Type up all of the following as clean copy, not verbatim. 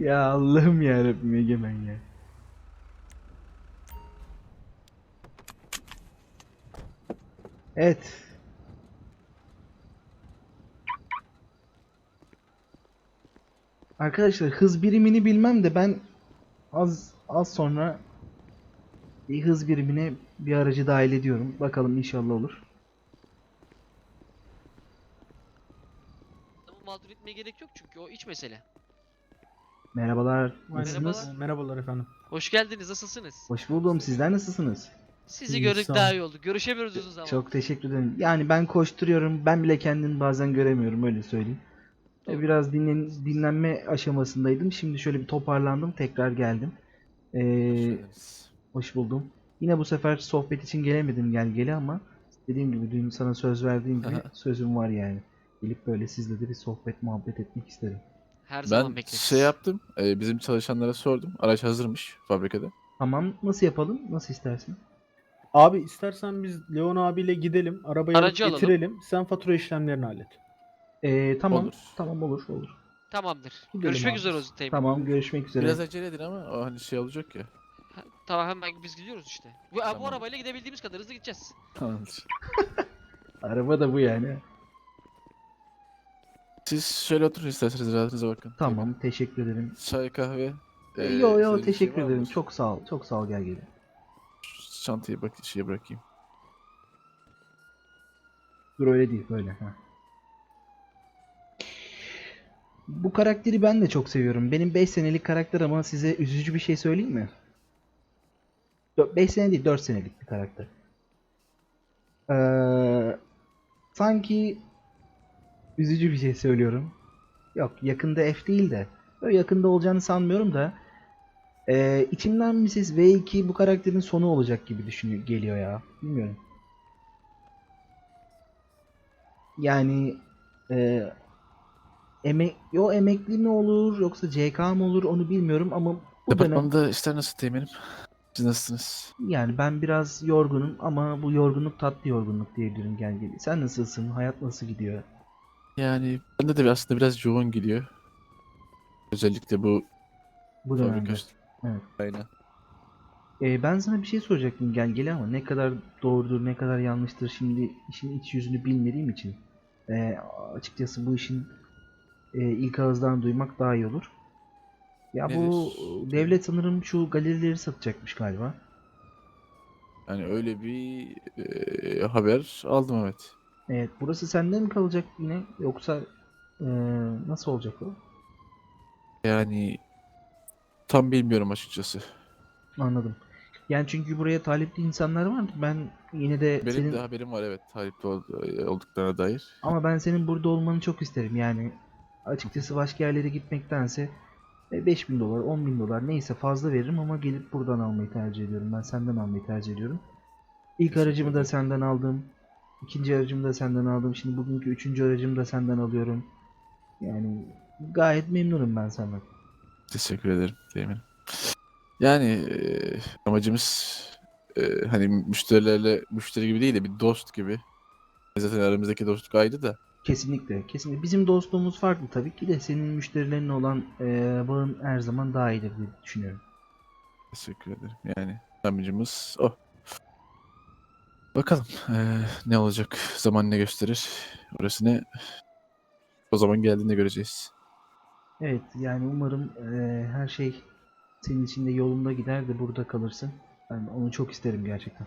Ya Allah'ım yarabbim Egemen ya. Evet. Arkadaşlar hız birimini bilmem de ben az sonra bir hız birimine bir aracı dahil ediyorum. Bakalım inşallah olur. Adamı mağdur etmeye gerek yok çünkü o iç mesele. Merhabalar. Aynen. Merhabalar. Nasılsınız? Merhabalar efendim. Hoş geldiniz. Nasılsınız? Hoş buldum. Sizler nasılsınız? Sizi İyiyiz, gördük sağ olun. daha iyi oldu. Görüşemiyoruz uzun Çok zamandır. teşekkür ederim. Yani ben koşturuyorum. Ben bile kendimi bazen göremiyorum öyle söyleyeyim. Doğru. Biraz dinlenme aşamasındaydım. Şimdi şöyle bir toparlandım. Tekrar geldim. Hoş Ee, geldiniz. Hoş buldum. Yine bu sefer sohbet için gelemedim gel ama dediğim gibi dün sana söz verdiğim gibi sözüm var yani. Gelip böyle sizle de bir sohbet muhabbet etmek isterim. Her zaman Ben şey bekleriz. yaptım, bizim çalışanlara sordum. Araç hazırmış fabrikada. Tamam, nasıl yapalım? Nasıl istersin? Abi istersen biz Leon abiyle gidelim. Arabayı alıp Aracı alalım. getirelim. Sen fatura işlemlerini hallet. Tamam. Olur. Tamam, olur. Tamamdır. Gidelim Görüşmek abi. üzere o Teğmen. Tamam, görüşmek üzere. Biraz acele edin ama o hani şey olacak ya. Tamam hemen biz gidiyoruz işte. Bu Tamam. arabayla gidebildiğimiz kadar hızlı gideceğiz. Tamamdır. Araba da bu yani. Siz şöyle oturun isterseniz rahatınıza bakın. Tamam, teşekkür ederim. Çay, kahve. Yo istediğiniz bir şey teşekkür var ederim. mıdır? Çok sağ ol. Çok sağ ol gel gelin. Şu çantayı bak şeye bırakayım. Dur öyle değil böyle. Ha. Bu karakteri ben de çok seviyorum. Benim 5 senelik karakter ama size üzücü bir şey söyleyeyim mi? 5 sene değil 4 senelik bir karakter. Sanki üzücü bir şey söylüyorum. Yok yakında F değil de. Böyle yakında olacağını sanmıyorum da. İçimden Mrs. V2 bu karakterin sonu olacak gibi düşünüyor geliyor ya. Bilmiyorum. Yani e, emekli mi olur yoksa CK mı olur onu bilmiyorum ama bu dönem Departmanda işler nasıl teğmenim? Siz nasılsınız? yani ben biraz yorgunum ama bu yorgunluk tatlı yorgunluk diyebilirim gel gel. Sen nasılsın? Hayat nasıl gidiyor? Yani bende de aslında biraz yoğun gidiyor. Özellikle bu Bu fabrika. dönemde. Evet. Aynen. Ben sana bir şey soracaktım gel gel ama ne kadar doğrudur ne kadar yanlıştır şimdi işin iç yüzünü bilmediğim için açıkçası bu işin ilk ağızdan duymak daha iyi olur. Ya bu Nedir? devlet sanırım şu galerileri satacakmış galiba. Yani öyle bir haber aldım, evet. Evet, burası sende mi kalacak yine yoksa e, nasıl olacak o? Yani tam bilmiyorum açıkçası. Anladım. Yani çünkü buraya talipli insanlar var. Ben yine de Benim de senin haberim var, evet, talipli olduklarına dair. ama ben senin burada olmanı çok isterim. Yani açıkçası başka yerlere gitmektense 5.000 dolar, 10.000 dolar neyse fazla veririm ama gelip buradan almayı tercih ediyorum. Ben senden almayı tercih ediyorum. İlk Teşekkür aracımı da ederim. senden aldım. İkinci aracımı da senden aldım. Şimdi bugünkü üçüncü aracımı da senden alıyorum. Yani gayet memnunum ben senden. Teşekkür ederim Teğmen. Yani amacımız hani müşteri gibi değil de bir dost gibi. Zaten aramızdaki dostluk ayrı da. Kesinlikle, kesinlikle. Bizim dostluğumuz farklı tabii ki de senin müşterilerinle olan bağın her zaman daha iyidir diye düşünüyorum. Teşekkür ederim. Yani amacımız o. Bakalım ne olacak? Zaman ne gösterir? Orasını o zaman geldiğinde göreceğiz. Evet, yani umarım her şey senin için de yolunda gider de burada kalırsın. Ben onu çok isterim gerçekten.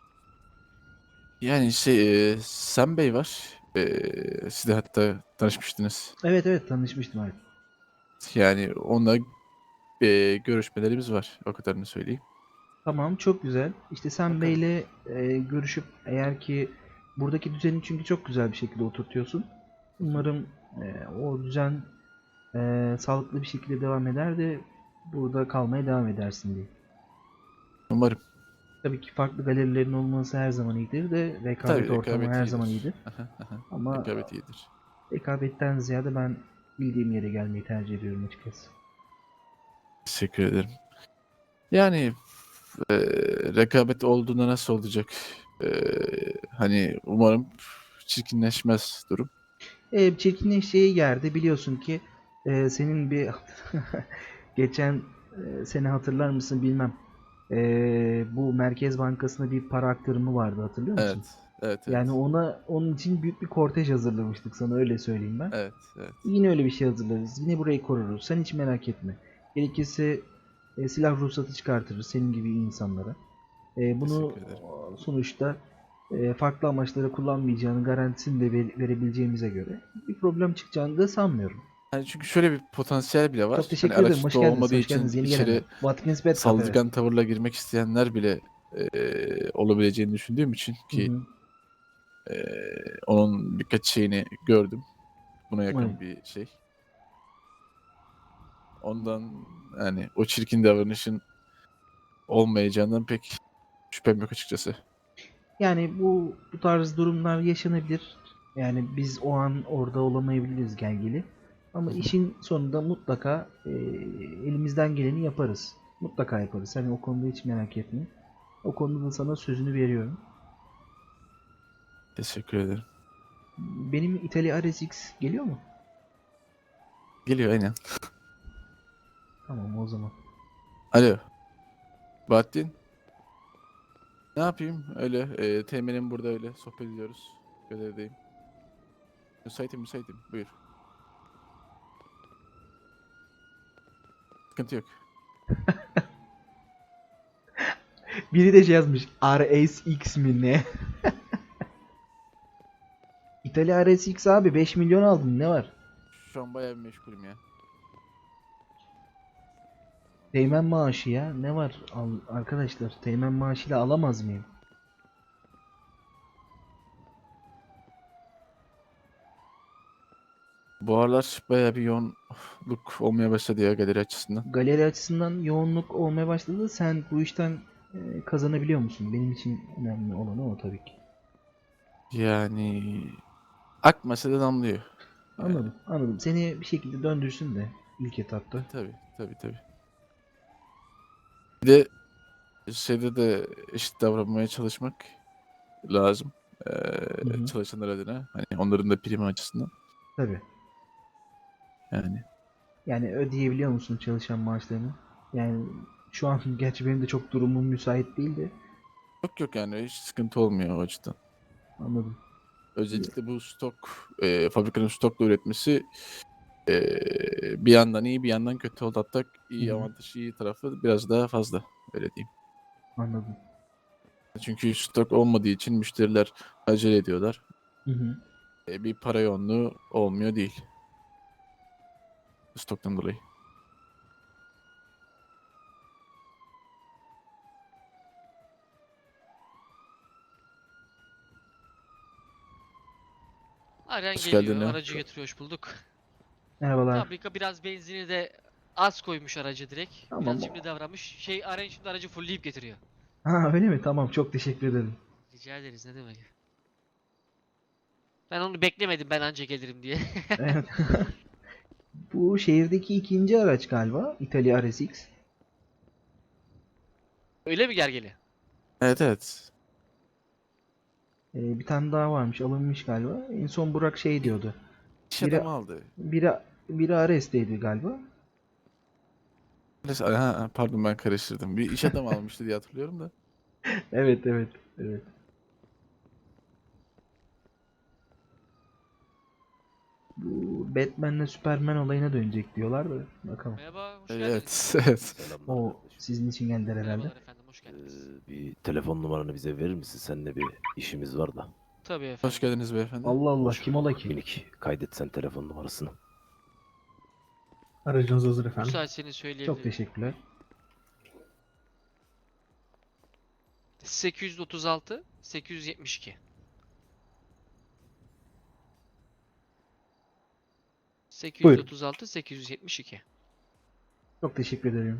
Yani şey Sam Bey var. Siz de hatta tanışmıştınız. Evet tanışmıştım abi. Yani onunla görüşmelerimiz var. O kadarını söyleyeyim. Tamam, çok güzel. İşte sen Bakalım. Bey'le görüşüp eğer ki buradaki düzeni çünkü çok güzel bir şekilde oturtuyorsun. Umarım o düzen sağlıklı bir şekilde devam eder de burada kalmaya devam edersin diye. Umarım. Tabii ki farklı galerilerin olması her zaman iyidir de rekabet Tabii ortamı rekabet her zaman iyidir. iyidir. Ama Rekabet iyidir. rekabetten ziyade ben bildiğim yere gelmeyi tercih ediyorum açıkçası. Teşekkür ederim. Yani e, rekabet olduğunda nasıl olacak? E, Hani umarım çirkinleşmez durum. Çirkinleşeceği yerde biliyorsun ki senin bir geçen sene hatırlar mısın bilmem. Bu Merkez Bankası'na bir para aktarımı vardı, hatırlıyor musun? Evet. Evet, evet. Yani onun için büyük bir kortej hazırlamıştık, sana öyle söyleyeyim ben. Evet, evet. Yine öyle bir şey hazırlarız. Yine burayı koruruz. Sen hiç merak etme. Gerekirse silah ruhsatı çıkartırız senin gibi insanlara. Bunu Teşekkür ederim. sonuçta farklı amaçlara kullanmayacağını garantisini de verebileceğimize göre bir problem çıkacağını da sanmıyorum. Yani çünkü şöyle bir potansiyel bile var. Çok Hani teşekkür ederim. araçta Hoş geldiniz. olmadığı Hoş geldiniz. için Yeni gelenler. içeri Watkins Bed Cafe. saldırgan tavırla girmek isteyenler bile olabileceğini düşündüğüm için Hı ki hı. onun birkaç şeyini gördüm. Buna yakın Evet. bir şey. Ondan yani o çirkin davranışın olmayacağından pek şüphem yok açıkçası. Yani bu tarz durumlar yaşanabilir. Yani biz o an orada olamayabiliriz gelgili. Ama işin sonunda mutlaka elimizden geleni yaparız. Mutlaka yaparız. Hani o konuda hiç merak etme. O konuda da sana sözünü veriyorum. Teşekkür ederim. Benim İtalya RSX geliyor mu? Geliyor aynen. Tamam o zaman. Alo. Bahattin. Ne yapayım? Öyle. Teğmenim burada öyle. Sohbet ediyoruz. Görevdeyim. Müsaitim. Buyur. Sıkıntı yok. Biri de şey yazmış. RSX mi ne? İtalya RSX abi 5 milyon aldın, ne var? Şu an bayağı bir meşgulüm ya. Teğmen maaşı ya. Ne var arkadaşlar? Teğmen maaşıyla alamaz mıyım? Bu aralar bayağı bir yoğunluk olmaya başladı ya galeri açısından. Galeri açısından yoğunluk olmaya başladı. Sen bu işten kazanabiliyor musun? Benim için önemli olan o tabii ki. Yani akmasa da damlıyor. Yani, Anladım, anladım. Seni bir şekilde döndürsün de ilk etapta. tabii. Bir de şeyde de eşit davranmaya çalışmak lazım. Hı hı. Çalışanlar adına. Hani onların da primi açısından. Tabii. Yani Yani ödeyebiliyor musun çalışan maaşlarını? Yani şu an gerçi benim de çok durumum müsait değil de. yok yani hiç sıkıntı olmuyor o açıdan. Anladım. Özellikle bu fabrikanın stokla üretmesi bir yandan iyi bir yandan kötü oldu. Hatta iyi Hı hı. avantajı iyi tarafı biraz daha fazla öyle diyeyim. Anladım. Çünkü stok olmadığı için müşteriler acele ediyorlar. Hı hı. Bir para yoğunluğu olmuyor değil. Stoktan dolayı. Aren Hoş geliyor. geldin ya. Aracı getiriyor. Hoş bulduk. Merhabalar. Fabrika biraz benzini de az koymuş aracı direkt. Tamam. Biraz cimri davranmış. Aren şimdi aracı fullleyip getiriyor. Ha öyle mi? Tamam, çok teşekkür ederim. Rica ederiz, ne demek. Ben onu beklemedim, ben anca gelirim diye. Evet. Bu şehirdeki ikinci araç galiba. İtalya RSX. Öyle mi Gergeli? Evet. Bir tane daha varmış, alınmış galiba. En son Burak şey diyordu. İş Biri adamı aldı. biri Ares'teydi galiba. Pardon ben karıştırdım. Bir iş adamı almıştı diye hatırlıyorum da. Evet. Bu Batman'le Superman olayına dönecek diyorlar da bakalım. Merhaba, hoş geldiniz. Evet. Selamlar O kardeşim. sizin için geldiler herhalde. Merhabalar efendim, hoş geldiniz. Bir telefon numaranı bize verir misin? Seninle bir işimiz var da. Tabii efendim. Hoş geldiniz beyefendi. Allah Allah, Hoş kim ola bulduk. ki? Minik kaydet sen telefon numarasını. Aracınız hazır efendim. Müsaitseniz Çok söyleyebilirim. teşekkürler. 836 872. 836 872. Çok teşekkür ederim.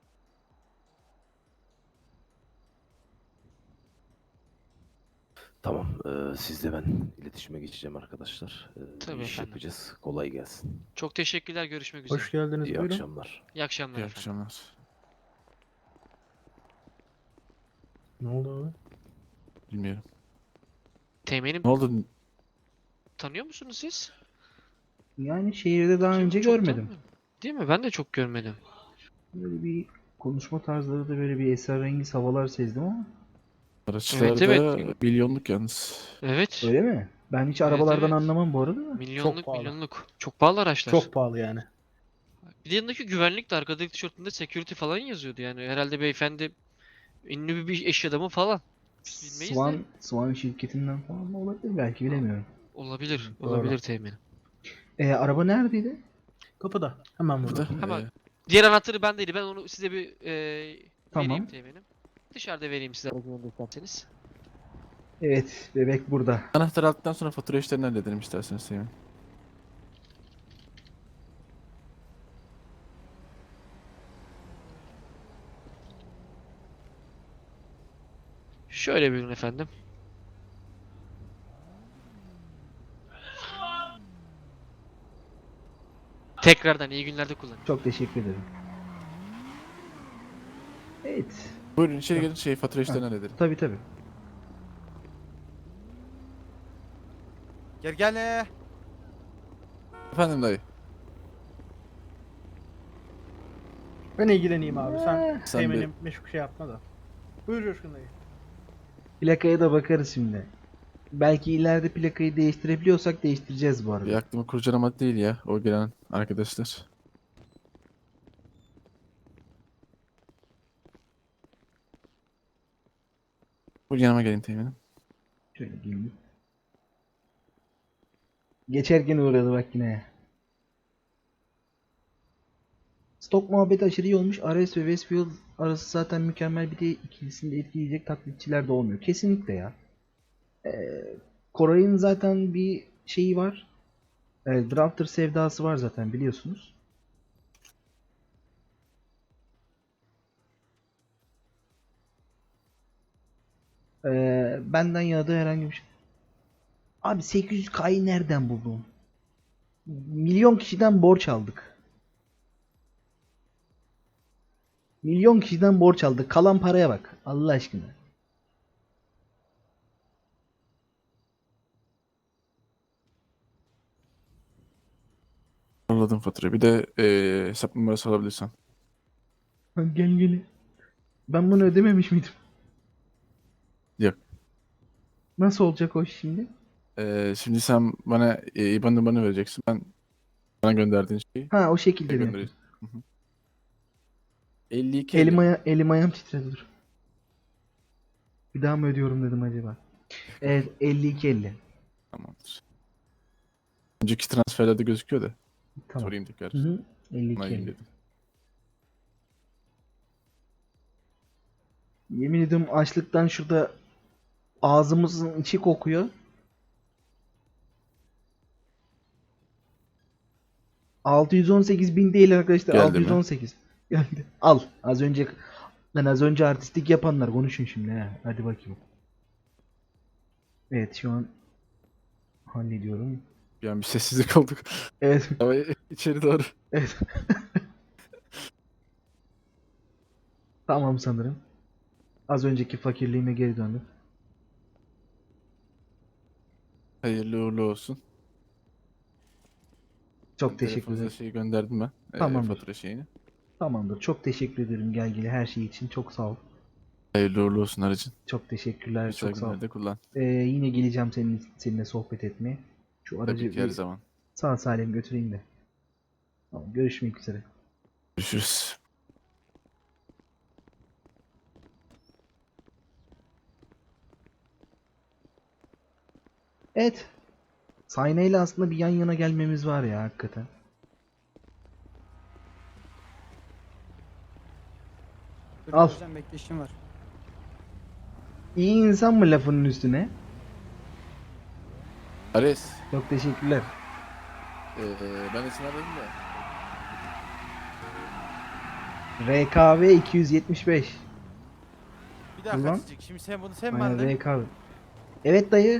Tamam. Sizle ben iletişime geçeceğim arkadaşlar. Tabii Bir iş efendim. yapacağız. Kolay gelsin. Çok teşekkürler, görüşmek üzere. Hoş geldiniz. İyi Buyurun. akşamlar. İyi akşamlar İyi efendim. akşamlar. Ne oldu abi? Bilmiyorum. Teğmenim, Ne oldu? tanıyor musunuz siz? Yani şehirde daha önce Çok görmedim. tanımıyorum. Değil mi? Ben de çok görmedim. Böyle bir konuşma tarzları da böyle bir esrarengiz havalar sezdim ama. Araçlarda evet. milyonluk yalnız. Evet. Öyle mi? Ben hiç Evet, arabalardan evet. anlamam bu arada da. Milyonluk pahalı. milyonluk. Çok pahalı araçlar. Çok pahalı yani. Bir de yanındaki güvenlik de arkadaki tişörtünde security falan yazıyordu yani. Herhalde beyefendi ünlü bir iş adamı falan. Bilmeyiz de. Swan şirketinden falan mı olabilir belki bilemiyorum. Olabilir. Doğru. Olabilir teminim. Araba neredeydi? Kapıda. Hemen Burada burada. Hemen. Diğer anahtarı bendeydi. Ben onu size bir Tamam. vereyim teminim. Dışarıda vereyim size aracın önünde isterseniz. Evet, bebek burada. anahtar aldıktan sonra fatura işlerini halledelim isterseniz Teğmen. Şöyle buyurun efendim. Tekrardan iyi günlerde kullanın. Çok teşekkür ederim. Evet. Buyurun içeri gelin fatura işlerini halledelim. Tabii tabii. Gel. Efendim dayı. Ben ilgileneyim abi. Sen Sen Teğmen'im meşgul şey yapma da. Buyur Coşkun dayı. Plakaya da bakarız şimdi. Belki ileride plakayı değiştirebiliyorsak değiştireceğiz bu arada. Bir aklımı kurcalamadı değil ya o gelen arkadaşlar. Bu yanıma gelin Teğmen'im. Şöyle gelin. Geçerken uğradı bak yine. Stok muhabbeti aşırı iyi olmuş. Ares ve Westfield arası zaten mükemmel. Bir de ikilisini de etkileyecek taklitçiler de olmuyor. Kesinlikle ya. Koray'ın zaten bir şeyi var. Drafter sevdası var zaten biliyorsunuz. Benden yana da herhangi bir şey. Abi 800K'yı nereden buldun? Milyon kişiden borç aldık. Milyon kişiden borç aldık. Kalan paraya bak. Allah aşkına. Yolladım faturayı. Bir de hesap numarası alabilirsen. Gel. Ben bunu ödememiş miydim? Yok. Nasıl olacak o iş şimdi? Şimdi sen bana IBAN numaranı vereceksin. Ben bana gönderdiğin şeyi Ha o şekilde mi? göndereceğim. Hı hı. 52 Elim ayağım titredi dur. Bir daha mı ödüyorum dedim acaba. Evet 52.50. Tamamdır. Önceki transferlerde gözüküyor da. Tamam. Sorayım tekrar. Hı hı. Onaylayayım 52.50. dedim. Yemin ediyorum açlıktan şurada ağzımızın içi kokuyor. $618.000 değil arkadaşlar. Geldi mi? 618. Geldi. Al. Az önce artistik yapanlar konuşun şimdi ha. Hadi bakayım. Evet şu an hallediyorum. Bir an bir sessizlik olduk. Evet. Ama içeri doğru. Evet. Tamam sanırım. Az önceki fakirliğime geri döndüm. Hayırlı uğurlu olsun. Çok teşekkür Telefonunuza ederim. şeyi gönderdim ben. Tamamdır. Fatura şeyini. Tamamdır. Çok teşekkür ederim Gelgili her şey için. Çok sağ ol. Hayırlı uğurlu olsun aracın. Çok teşekkürler. Güzel Çok sağ ol. günlerde kullan. Yine geleceğim seninle sohbet etmeye. Şu aracı Tabii ki her bir zaman. sağ salim götüreyim de. Tamam, görüşmek üzere. Görüşürüz. Evet. Sayneyle aslında bir yan yana gelmemiz var ya hakikaten. Al. Hocam bekleşim var. İyi insan mı lafının üstüne? Ares. Çok teşekkürler. Ben isim aradım da. RKV 275. Bir dakika Ulan. Cicik, şimdi sen mi Aynen aldın? RKV. Evet dayı.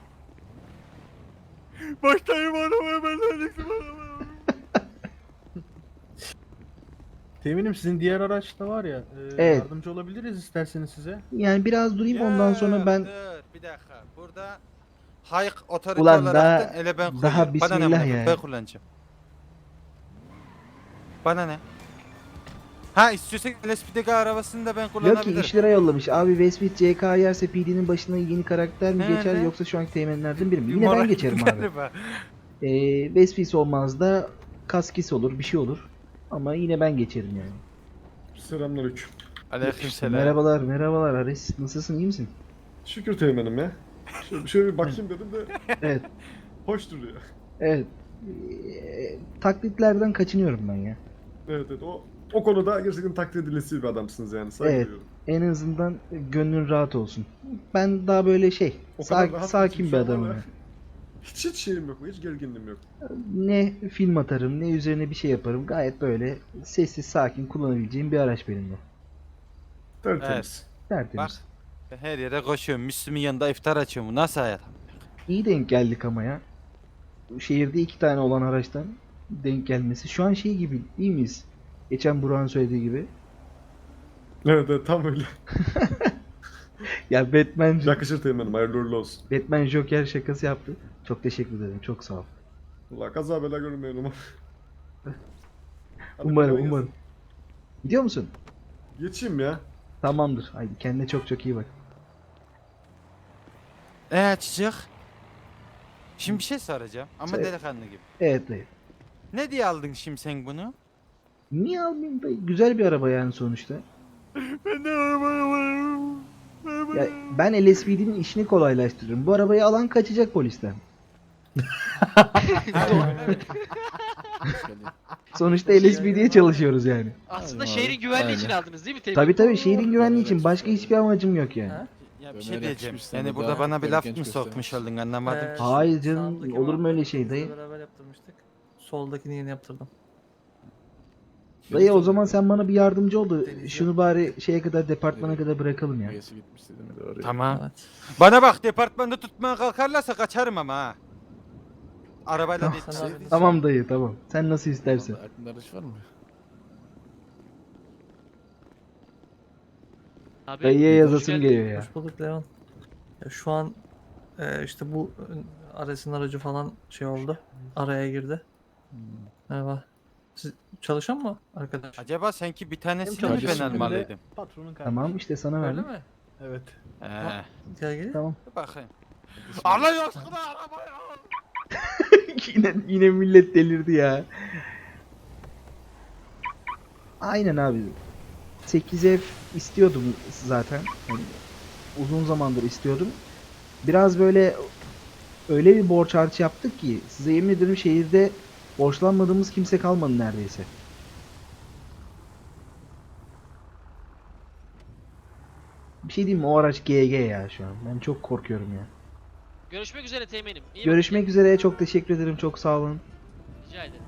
Baştayım arabaya ben verecektim arabaya. Teğmenim sizin diğer araçta var ya. Evet. Yardımcı olabiliriz isterseniz size. Yani biraz durayım ondan sonra ben Dur bir dakika. Burada Hayk otorite Ulan olaraktan daha- ele ben daha koyuyorum. Bana ne bismillah amına ya. ben kullanacağım. Bana ne? Ha istiyorsan LSP'deki arabasını da ben Yok ki kullanabilirim. 3 lira yollamış. Abi Westbit CK yerse PD'nin başına yeni karakter mi He, geçer ne? yoksa şu anki teğmenlerden biri mi? Yine ben geçerim abi. Galiba. Westbit olmaz da Kaskis olur bir şey olur. Ama yine ben geçerim yani. Selamünaleyküm. Aleykümselam. Merhabalar merhabalar Ares. Nasılsın iyi misin? Şükür teğmenim ya. Şöyle bir bakayım dedim de Evet. hoş duruyor. Evet. Taklitlerden kaçınıyorum ben ya. Evet evet o konuda gerçekten takdir edilesi bir adamsınız yani. Saygı Evet. duyuyorum. En azından gönlün rahat olsun. Ben daha böyle O kadar rahat sakin bir şu an adamım. var ya. ya. Hiç şeyim yok, hiç gerginliğim yok. Ne film atarım ne üzerine bir şey yaparım. Gayet böyle sessiz sakin kullanabileceğim bir araç benim de. Tertemiz. Tertemiz. Ben her yere koşuyorum. Müslüm'ün yanında iftar açıyorum. Bu nasıl hayat? İyi denk geldik ama ya. Şehirde 2 tane olan araçtan denk gelmesi. Şu an şey gibi değil miyiz? Geçen Burak'ın söylediği gibi. Evet evet tam öyle. Ya Yakışır teğmenim, hayırlı uğurlu olsun. Batman Joker şakası yaptı. Çok teşekkür ederim. Çok sağ ol. Allah kaza bela görmeyelim ama. Hadi Umarım kolay gelsin. umarım. Gidiyor musun? Geçeyim ya. Tamamdır. Haydi kendine çok çok iyi bak. Çocuk. Şimdi bir şey soracağım ama Söyle. delikanlı gibi. Evet dayı. Ne diye aldın şimdi sen bunu? Niye almayayım dayı? Güzel bir araba yani sonuçta. Ya ben LSPD'nin işini kolaylaştırırım. Bu arabayı alan kaçacak polisten. Hoş geldin. Sonuçta LSPD'ye çalışıyoruz yani. Aslında Aynen şehrin abi, güvenliği için aynen. aldınız değil mi Teğmen? Tabi tabi şehrin güvenliği için başka hiçbir amacım yok yani. Ya bir Ömer şey diyeceğim. yakışmış sana Yani da, burada bana bir böyle laf genç mı göstermiş. sokmuş oldun anlamadım. Hayır canım, sağdaki olur mu öyle muhabbeti şey biz de dayı? Beraber yaptırmıştık. Soldakini yeni yaptırdım. Dayı o zaman sen bana bir yardımcı oldu. Deneyeceğim. Şunu bari şeye kadar departmana kadar bırakalım ya. Magesi gitmişti değil mi? Doğru. Tamam. Evet. Bana bak departmanda tutmaya kalkarlarsa kaçarım ama ha. Arabayla Tamam. değil. Sen abi- Tamam dayı tamam. Sen nasıl istersen. Vallahi aklında araç var mı? Abi, Dayıya hoş yazasım geldin. geliyor ya. Hoş bulduk Leon. Ya şu an işte bu Ares'in aracı falan şey oldu. Araya girdi. Merhaba. Siz çalışan mı arkadaş? Acaba sanki bir tanesini mi Kardeşim ben benim de- almalıydım? Patronun kardeşi. Tamam işte sana Öyle verdim. mi? Evet. Gel gel. Tamam. Bir bakayım. Allah aşkına arabaya al. yine millet delirdi ya. Aynen abi. 8F istiyordum zaten. Yani uzun zamandır istiyordum. Biraz böyle öyle bir borç harç yaptık ki size yemin ederim şehirde borçlanmadığımız kimse kalmadı neredeyse. Bir şey diyeyim mi? O araç GG ya şu an. Ben çok korkuyorum ya. Görüşmek üzere Teğmen'im. İyi Görüşmek üzere. Çok teşekkür ederim. Çok sağ olun. bakın. Rica ederim.